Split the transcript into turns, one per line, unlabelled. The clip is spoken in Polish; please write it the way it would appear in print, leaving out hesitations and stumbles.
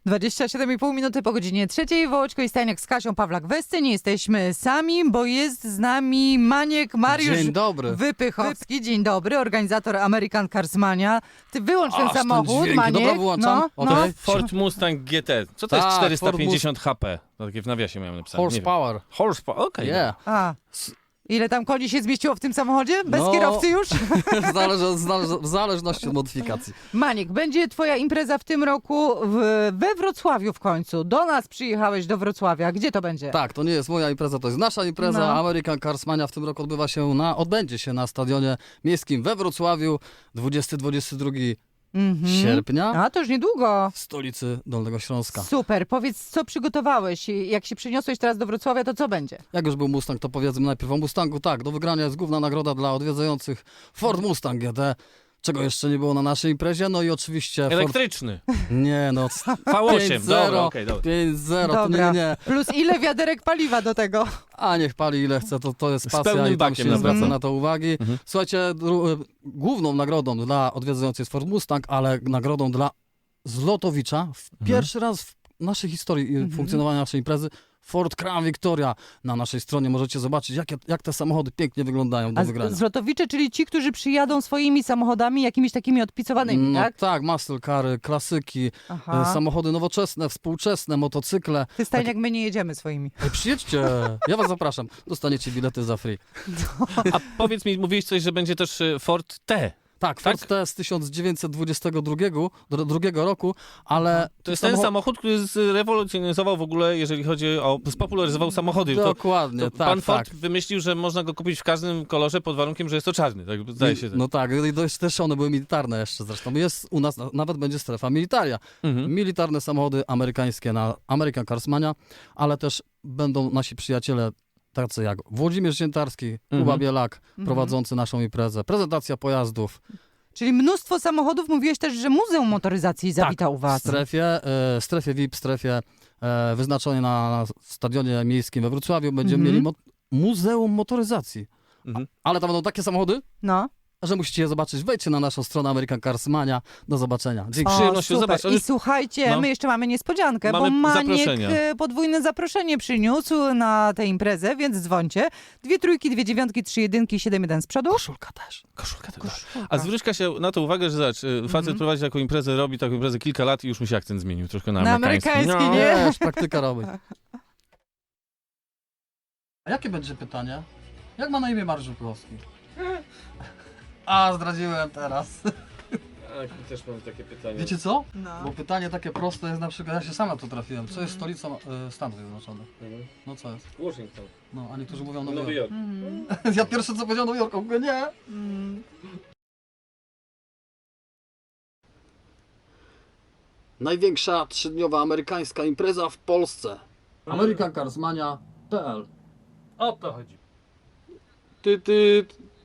27,5 minuty po godzinie 3. Wołoczko i Stajniak z Kasią Pawlak w scenie. Nie jesteśmy sami, bo jest z nami Maniek Mariusz
Dzień dobry.
Wypychowski. Dzień dobry, organizator American Carsmania. Ty wyłącz ten samochód,
dźwięk.
Maniek.
Dobra, wyłączam. Okej.
Ford Mustang GT. Co to jest
Tak,
450 HP? To takie w nawiasie miałem napisane. nie wiem.
Horsepower.
Horsepower, okej.
Yeah.
A. Ile tam koni się zmieściło w tym samochodzie? Bez
No.
kierowcy już?
W zależności od modyfikacji.
Maniek, będzie twoja impreza w tym roku we Wrocławiu w końcu. Do nas przyjechałeś do Wrocławia. Gdzie to będzie?
Tak, to nie jest moja impreza, to jest nasza impreza.
No.
American Carsmania w tym roku odbędzie się na stadionie miejskim we Wrocławiu 20-22 sierpnia
A, to już niedługo.
w stolicy Dolnego Śląska.
Super. Powiedz, co przygotowałeś? Jak się przyniosłeś teraz do Wrocławia, to co będzie?
Jak już był Mustang, to powiedzmy najpierw o Mustangu. Tak, do wygrania jest główna nagroda dla odwiedzających Ford Mustang GT, czego jeszcze nie było na naszej imprezie. No i oczywiście Ford...
Elektryczny.
Nie no,
V8, dobra, okej, dobra.
5-0, to
Dobra.
nie.
Plus ile wiaderek paliwa do tego?
A niech pali ile chce, to jest
Z
pasja
pełnym
i tam
bakiem
się nie zwraca
naprawdę.
na to uwagi. Słuchajcie, główną nagrodą dla odwiedzających jest Ford Mustang, ale nagrodą dla Zlotowicza pierwszy raz w naszej historii funkcjonowania naszej imprezy Ford Crown Victoria. Na naszej stronie możecie zobaczyć, jak te samochody pięknie wyglądają do
A
wygrania.
zlotowicze, czyli ci, którzy przyjadą swoimi samochodami, jakimiś takimi odpicowanymi,
No
tak?
tak, muscle cary, klasyki,
Aha.
samochody nowoczesne, współczesne, motocykle.
Ty, Stajniak, my nie jedziemy swoimi.
Ej, przyjedźcie, ja was zapraszam. Dostaniecie bilety za free.
A powiedz mi, mówiłeś coś, że będzie też Ford T.
Tak, Ford
Tak?
T z 1922 roku, ale...
To jest ten samochód, który zrewolucjonizował w ogóle, jeżeli chodzi o... spopularyzował samochody.
Dokładnie,
To
tak,
pan Ford
tak.
wymyślił, że można go kupić w każdym kolorze pod warunkiem, że jest to czarny. Tak zdaje się.
No tak, i też one były militarne jeszcze zresztą. Jest u nas, nawet będzie strefa militaria. Militarne samochody amerykańskie na American Carsmania, ale też będą nasi przyjaciele tacy jak Włodzimierz Ziętarski, Kuba Bielak, prowadzący naszą imprezę, prezentacja pojazdów.
Czyli mnóstwo samochodów. Mówiłeś też, że Muzeum Motoryzacji zawita u was.
W strefie VIP, strefie wyznaczonej na stadionie miejskim we Wrocławiu będziemy mieli Muzeum Motoryzacji. Ale tam będą takie samochody,
No.
że musicie je zobaczyć. Wejdźcie na naszą stronę American Carsmania. Do zobaczenia. Dzięki.
O, przyjemnością
super.
zobaczyć.
I słuchajcie,
No.
my jeszcze mamy niespodziankę,
Mamy
bo Maniek
zaproszenia.
podwójne zaproszenie przyniósł na tę imprezę, więc dzwońcie. 2 trójki, 2 dziewiątki, 3 jedynki, 7 1 z przodu.
Koszulka też.
Koszulka tego. A zwróćka się na to uwagę, że zobacz, facet prowadzi taką imprezę, robi taką imprezę kilka lat i już mi się akcent zmienił troszkę na
Na
amerykański.
amerykański,
No.
nie?
Wiesz, praktyka robi. A jakie będzie pytanie? Jak ma na imię Mariusz Żuklowski? A, zdradziłem teraz.
Też mam takie pytanie.
Wiecie co?
No.
Bo pytanie takie proste jest na przykład, ja się sam na to trafiłem. Co jest stolicą Stanów Zjednoczonych? No co jest?
Washington.
No, a niektórzy mówią Nowy
Nowy
Jork.
Jork.
Ja pierwsze co powiedział Nowy Jork, a mówię nie. Największa trzydniowa amerykańska impreza w Polsce. AmericanCarsmania.pl.
O to chodzi.
Ty.